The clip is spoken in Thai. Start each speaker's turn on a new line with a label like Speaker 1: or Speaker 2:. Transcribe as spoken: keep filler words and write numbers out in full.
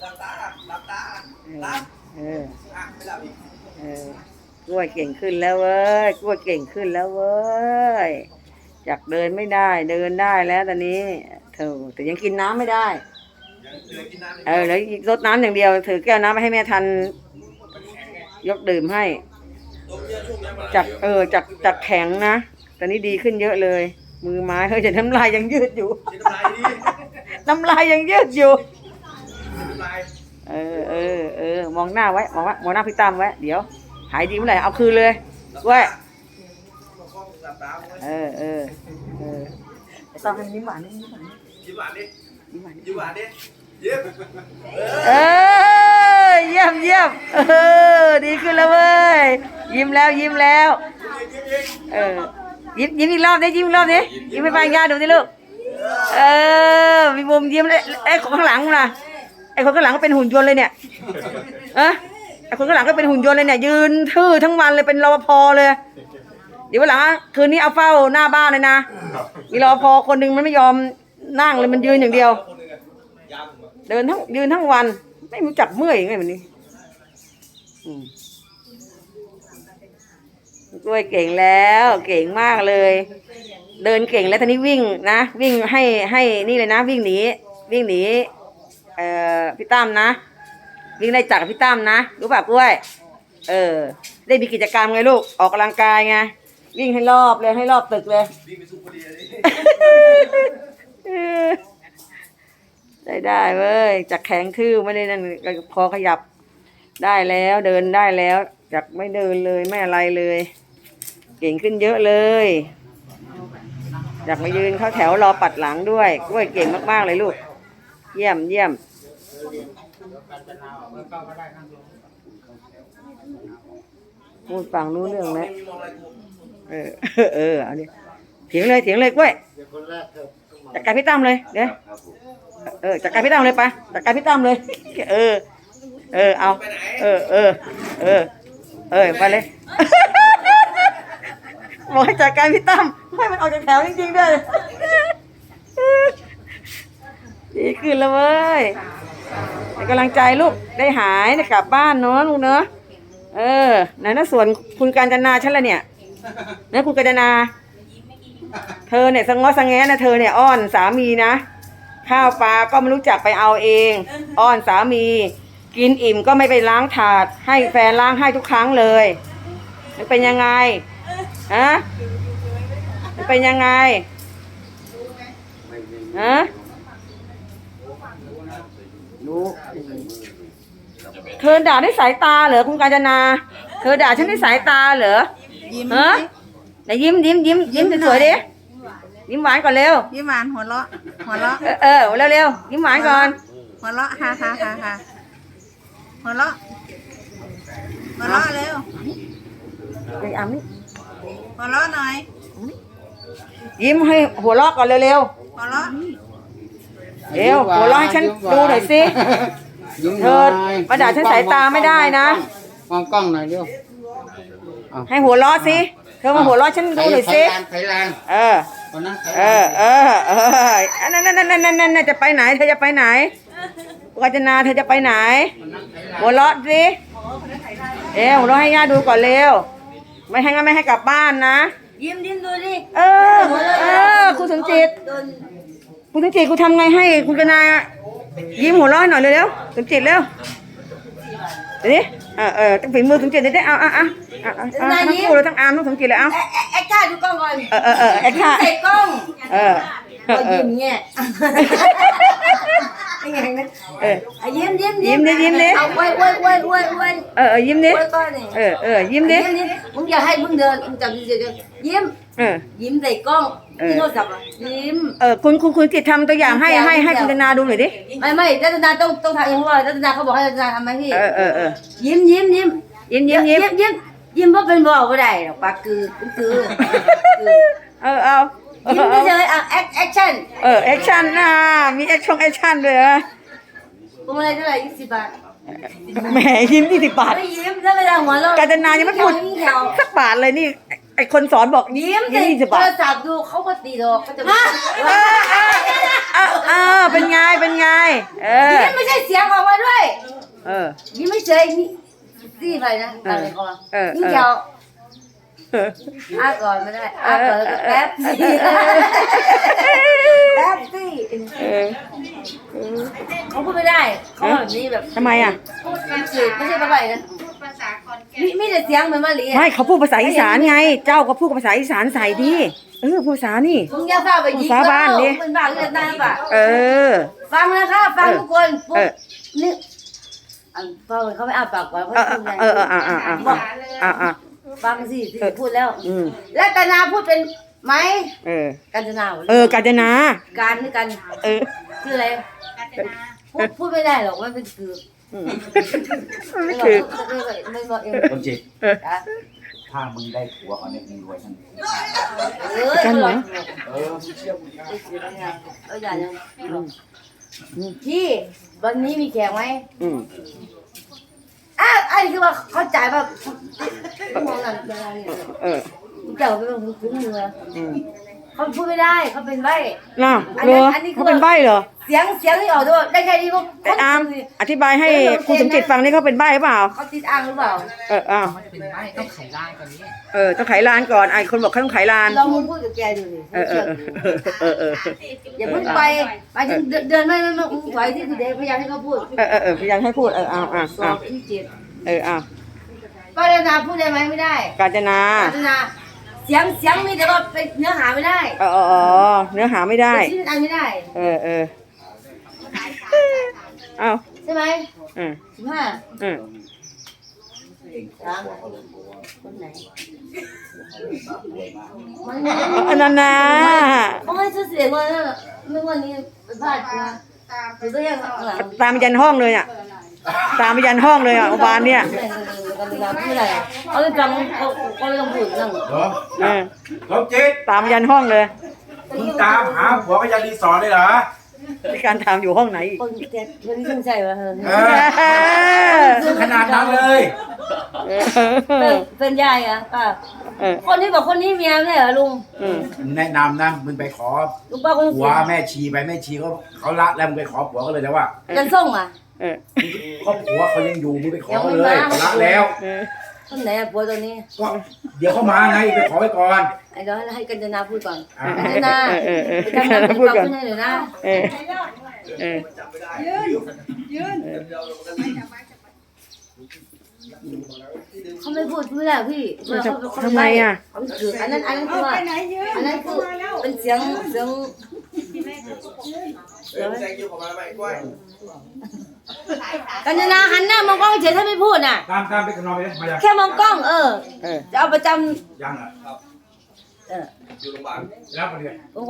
Speaker 1: หลับตาหลับตาหลับ
Speaker 2: เออ
Speaker 1: อ่ะไม่หลับอีก
Speaker 2: เออกล้วยเก่งขึ้นแล้วเว้ยกล้วยเก่งขึ้นแล้วเว้ยจากเดินไม่ได้เดินได้แล้วตอนนี้เธอแต่ยังกินน้ำไม่ได้
Speaker 1: ยังเหลือกินน้ำ
Speaker 2: เออแล้วรดน้ำอย่างเดียวถือแก้วน้ำไปให้แม่ทันยกดื่มให้จากเออจากจากแข็งนะตอนนี้ดีขึ้นเยอะเลยมือไม้เฮ้ยแต่น้ำลายยังยืดอยู่น้ำลายยังยืดอยู่เออเออเออมองหน้าไว้มองว่ามองหน้าพี่ตั้มไว้เดี๋ยวหายดีเมื่อไหร่เอาคืนเลยเว้ยเออเออเออต้องให้ยิ้มหวานนี่ยิ้มหวาน
Speaker 1: ยิ้มหวานดิ
Speaker 2: ยิ้มหวาน
Speaker 1: ยิ้มหวานดิยิ้ม
Speaker 2: เออเยี่ยมเยี่ยมเออดีขึ้นแล้วเว้ยยิ้มแล้วยิ้มแล้วเออยิ้มยิ้มอีกรอบดิยิ้มอีกรอบดิยิ้มให้ป้ายาดูสิลูกเออมีมุมยิ้มเลยไอ้คนข้างหลังล่ะไอ้คนข้างหลังก็เป็นหุ่นยนต์เลยเนี่ยอะไอ้คนข้างหลังก็เป็นหุ่นยนต์เลยเนี่ยยืนทื่อทั้งวันเลยเป็นรปภเลยเดี๋ยววันหลังคืนนี้เอาเฝ้าหน้าบ้านเลยนะมีรปภคนหนึ่งมันไม่ยอมนั่งเลยมันยืนอย่างเดียวเดินทั้งยืนทั้งวันไม่รู้จักเมื่อยยังไงแบบนี้กล้วยเก่งแล้วเก่งมากเลยเดินเก่งแล้วทีนี้วิ่งนะวิ่งให้ให้นี่เลยนะวิ่งหนีวิ่งหนีเอ่อพี่ตั้มนะวิ่งไล่จับพี่ตั้มนะรู้ป่ะกล้วยเออได้มีกิจกรรมไงลูกออกกำลังกายไงวิ่งให้รอบเลยให้รอบตึกเลย
Speaker 1: วิ่งไปสุพรรณ
Speaker 2: เลยได้ได้เว้ยจากแข็งทื่อไม่ได้นั่นพอขยับได้แล้วเดินได้แล้วจากไม่เดินเลยไม่อะไรเลยเก่งขึ้นเยอะเลยอยากมายืนเข้าแถวรอปัดหลังด้วยกล้วยเก่งมากๆเลยลูกเยี่ยมเยี่ยมพูดฟังรู้เรื่องแล้วเออเออเอาดิเถียงเลยเถียงเลยกล้วยจัดการพี่ตั้มเลยเดี๋ยวเออจัดการพี่ตั้มเลยปะจัดการพี่ตั้มเลยเออเออเอาเออเออเออเออไปเลยบอกให้จัดการพี่ตั้มให้มันออกจากแถวจริงๆด้วยดีขึ้นแล้วเว้ยเป็นกำลังใจลูกได้หายได้กลับบ้านเนาะลูกเนาะเออไหนนะส่วนคุณกาญจนาฉันละเนี่ยนะคุณกาญจนาเธอเนี่ยสงอสงแงนะเธอเนี่ยอ้อนสามีนะข้าวปลาก็ไม่รู้จักไปเอาเองอ้อนสามีกินอิ่มก็ไม่ไปล้างถาดให้แฟนล้างให้ทุกครั้งเลยมันเป็นยังไงฮะมันเป็นยังไงฮะรู้เธอด่าด้วยสายตาเหรอคุณกาญจนาเธอด่าฉันด้วยสายตาเหรอฮะไหนยิ้มยิ้มยิ้มยิ้มสวยๆดิยิ้มหวานก่อนเร็ว
Speaker 3: ยิ้มหวานหัวเราะหัวเราะ
Speaker 2: เออเออเร็วเร็วยิ้มหวานก่อน
Speaker 3: หัวเราะฮ่าฮ่าฮ่าฮ่าหัวเราะหัวเราะเร็ว
Speaker 2: ไอ้อ้ำนี่
Speaker 3: หัวเราะหน่อย
Speaker 2: ยิ้มให้หัวเราะก่อนเร็วเร็ว
Speaker 3: หัวเราะ
Speaker 2: เร็วหัวเราะให้ฉันดูหน่อยสิเธอมาด่าฉันสายตาไม่ได้นะ
Speaker 4: มองกล้องหน่อยเร็ว
Speaker 2: ให้หัวเราะสิเธอมาหัวเราะฉันดูหน่อยสิเออเออเออเออนั่นนั่นนั่นนั่นนั่นจะไปไหนเธอจะไปไหนกาญจนาเธอจะไปไหนหัวเราะสิเอ๋หัวเราะให้ย่าดูก่อนเร็วไม่ให้งั้นไม่ให้กลับบ้านนะ
Speaker 3: ยิ้มยิ้มดูดิ
Speaker 2: เออเออคุณสมจิตคุณสมจิตคุณทำไงให้คุณกนายิ้มหัวเราะหน่อยเร็วๆสมจิตเร็วเดี๋ยวนี้เออเออต้องฝีมือสมจิตเดี๋ยวได้เอาเอาเอาเอาทั้งคู่เลยทั้งอาร์มทั้งสมจิตเลยเอา
Speaker 3: แอคท่าดูกล้องก่อน
Speaker 2: เออเออเออแอคท่า
Speaker 3: ใส่กล้อง
Speaker 2: เออ
Speaker 3: ยิ้มเงี้ยเออยิ้มยิ้ม
Speaker 2: ยิ้มดิยิ้มดิ
Speaker 3: เอาไว้ไว้ไว้ไว้ไว้
Speaker 2: เออยิ้มดิเออเออยิ้มดิ
Speaker 3: มึงอย่าให้มึงเดินมึงจับเฉยๆยิ้ม
Speaker 2: เออ
Speaker 3: ยิ้มใส่กล้องที่โทรศัพท์ยิ้ม
Speaker 2: เออคุณคุณคุณจิตทำตัวอย่างให้ให้ให้คุณนาดูหน่อยดิ
Speaker 3: ไม่ไม่รัตนาต้องต้องทำเองเพราะว่ารัตนาเขาบอกให้รัตนาทำไหมพี่
Speaker 2: เออเออเออ
Speaker 3: ยิ้มยิ้มยิ้ม
Speaker 2: ยิ้มยิ้มยิ้ม
Speaker 3: ยิ้มยิ้มว่าเป็นบอกว่าได้หรอกปากคือคือ
Speaker 2: เออเอา
Speaker 3: ยิ้มเฉยๆอ่ะแอคแอคชั่น
Speaker 2: เออแอคชั่นนะมีแอคชั่นแอคชั่นเลยเหรอ
Speaker 3: พวงมาลัยเท่าไหร่ยี่สิบบาท
Speaker 2: แหมยิ้มยี่สิบบาท
Speaker 3: ไม่ยิ้มถ้าไม่ได้หัวเราะ
Speaker 2: กาญจนายังไม่พูดสักบาทเลยนี่ไอคนสอนบอก
Speaker 3: ยิ้มยี่สิบบาทโทรศัพท์ดูเขาก็ตีดอกเขาจะ
Speaker 2: เออเออเป็นไงเป็นไงเออ
Speaker 3: นี่ไม่ใช่เสียงออกมาด้วย
Speaker 2: เออ
Speaker 3: นี่ไม่เฉยนี่ซี่ไปนะอะไรก็มา
Speaker 2: เออ
Speaker 3: นี่เดียวอ้าก่อนไม่ได้อ้าก่อนแล้วก็แป๊บซี่แป๊บซี่
Speaker 2: เออ
Speaker 3: เขาพูดไม่ได้เขาแบบนี้แบบ
Speaker 2: ทำไมอ่ะ
Speaker 3: พูดอังกฤษไม่ใช่ภาษานะมีมีแต่เสียงเหมือนมาลี
Speaker 2: ไม่เขาพูดภาษาอีสานไง เจ้าก็พูดภาษาอีสานใส่ดิเออพูดภาษานี่
Speaker 3: มึงอย่าฟ้าไปยิง
Speaker 2: ภาษาบ้านดิ
Speaker 3: เป็นบ้านเลือดหน้าป่ะ
Speaker 2: เออ
Speaker 3: ฟังนะคะฟังทุกคนปุ๊
Speaker 2: เอบ อ
Speaker 3: นี่อันฟังเขาไม่อ้าปากก่อนเขา
Speaker 2: เออ
Speaker 3: พูดไง
Speaker 2: เออเอออ่าอ่าอ่าอ่าอ่า
Speaker 3: ฟังสิที่พูดแล้ว
Speaker 2: อืม
Speaker 3: และตนาพูดเป็นไหม
Speaker 2: เออ
Speaker 3: กัญจนา
Speaker 2: เออกาญจนา
Speaker 3: การนี่กัน
Speaker 2: เออ
Speaker 3: ชื่ออะไรพูดพูดไม่ได้หรอกมันเป็นคือ
Speaker 2: อืม
Speaker 3: ไม่
Speaker 2: คือ
Speaker 3: ไม่บอกเอง
Speaker 1: คนจิต
Speaker 3: จ้ะ
Speaker 1: ถ้ามึงได้ผัวเขาเนี่ยมึงรวยทั้ง
Speaker 3: เออ
Speaker 2: กันเหรอ
Speaker 1: เออมึงเชื่อมึงนะ
Speaker 3: เอออย่าเลยพี่วันนี้มีแขกไหม
Speaker 2: อืม
Speaker 3: อ้าวอันนี้คือว่าเขาจ่ายแบบมองนั่นเป็นอะไร
Speaker 2: เออ
Speaker 3: เจ้าเป็นคนคุ้นมือ
Speaker 2: อืม
Speaker 3: เขาพูดไม่ได้เขาเป็นใบ
Speaker 2: น่ะ
Speaker 3: อัน
Speaker 2: เหร
Speaker 3: นั้น
Speaker 2: อ
Speaker 3: อันนี้คือ
Speaker 2: เขาเป็นใบ้เหรอ
Speaker 3: เสียงเสียงที่ออกด้วยได้แค่นี้ก็
Speaker 2: ไอ้อามอธิบายให้ครูสมจิตฟังนี่เขาเป็นใบ้หรือเปล่า
Speaker 3: เขาติดอ่างหรือเปล่า
Speaker 2: เอออ้าว
Speaker 5: เป็นไม้ต้องไขลายก่อนนี้
Speaker 2: เออต้องไขลานก่อนไอ้คนบอกเขาต้องไขลาน
Speaker 3: ลองมึงพูดกับแกดูดิ
Speaker 2: เออเออเออเออ
Speaker 3: อย่าเพิ่งไปไปถึงเดินไม่ไม่ไม่ไหวที่คือเด็กพยายามให้เขาพูด
Speaker 2: เออเออเออพยายามให้พูดเอออ้าวอ้าว
Speaker 3: สอ
Speaker 2: อ้าว
Speaker 3: บที่เจ็ด
Speaker 2: เอออ้าว
Speaker 3: ป้าดานาพูดได้ไหมไม่ได้
Speaker 2: กาญจนา
Speaker 3: ป้าดานาเสียงเสียงมีแต่ว่าเป็นเนื้อหาไม่ได้
Speaker 2: เออเออเออเนื้อหาไม่ได้
Speaker 3: เป็นชิ้นอันไม่ได้
Speaker 2: เออเออเอา
Speaker 3: ใช่ไหม
Speaker 2: เออ
Speaker 3: สิบห้า
Speaker 2: เออ
Speaker 3: สามคนไหนมัน
Speaker 2: อันนั้นนะ
Speaker 3: เขาให้ชื่อเสียงว่าไม่วันนี้เป็นพลาดนะหรือก็ยังหลัง
Speaker 2: ตามไปยันห้องเลยอ่ะตามไปยันห้องเลยอ่ะอุบานเนี่ย
Speaker 3: กันเวลาพูดอะไรเขาไม่ฟังเขาเขาไม่ต้องพูดนั่ง
Speaker 1: เหรอ
Speaker 2: เออ
Speaker 1: สมจิต
Speaker 2: ตามไปยันห้องเลย
Speaker 1: มึงตามหาผัวก็ยังรีสอร์ทเลยเหรอ
Speaker 2: มีการถามอยู่ห้องไหนอีก
Speaker 3: คนแกคนที่สนใจว่าเออ
Speaker 1: เออขนาดนั้นเลย
Speaker 2: เอ
Speaker 3: เป็น
Speaker 2: อ
Speaker 3: เป็นยายอ่ะป้า
Speaker 2: เออ
Speaker 3: คนที่บอกคนนี้เมียไม่ใช่เหรอลุง
Speaker 2: อืม
Speaker 1: แนะนำนะมึงไปขอ
Speaker 3: ลุงป้าคน
Speaker 1: ผัวแม่ชีไปแม่ชีเขาเขาละแล้วมึงไปขอผัวเขาเลยแต่ว่า
Speaker 3: จันส่งอ่ะ
Speaker 2: เออ
Speaker 1: ก็ผัวเขายังอยู่มึงไปขอเขาเลยเขาละแล้ว
Speaker 2: เออ
Speaker 3: คนไหนอ่ะผัวตัวนี้
Speaker 1: ก็เดี๋ยวเขามาไงไปขอไว้ก่อน
Speaker 3: ไอ้เดี๋ยวให้กัญจนาพูดก่อน
Speaker 1: อ่า
Speaker 3: กัญจนา
Speaker 2: เออเออ
Speaker 3: ไปทำงานเป็น
Speaker 2: พูด
Speaker 3: ปาก
Speaker 2: ก่อน
Speaker 3: ขึ้นให้หน่อยนะ
Speaker 2: เออเออ
Speaker 3: เขาไม่พูดไม่ได้พี่เขาเขา
Speaker 2: ทำไมอ่ะ
Speaker 3: เขาคืออันนั้นอันนั้นคือว่าอันนั้นคือเป็นเสียงเสียง
Speaker 1: เออแซงคิวของมาไปกล้วย
Speaker 3: กัญจนาหันหน้ามองกล้องเฉยถ้าไม่พูดน่ะ
Speaker 1: ตามตามไปกันนอนไปเลยมายัง
Speaker 3: แค่มองกล้องเออ
Speaker 2: เออ
Speaker 3: จะเอาประจ
Speaker 1: ยังอ่ะครับ
Speaker 3: ำเออ
Speaker 1: อยู่โรงพยาบาลรับมาเลย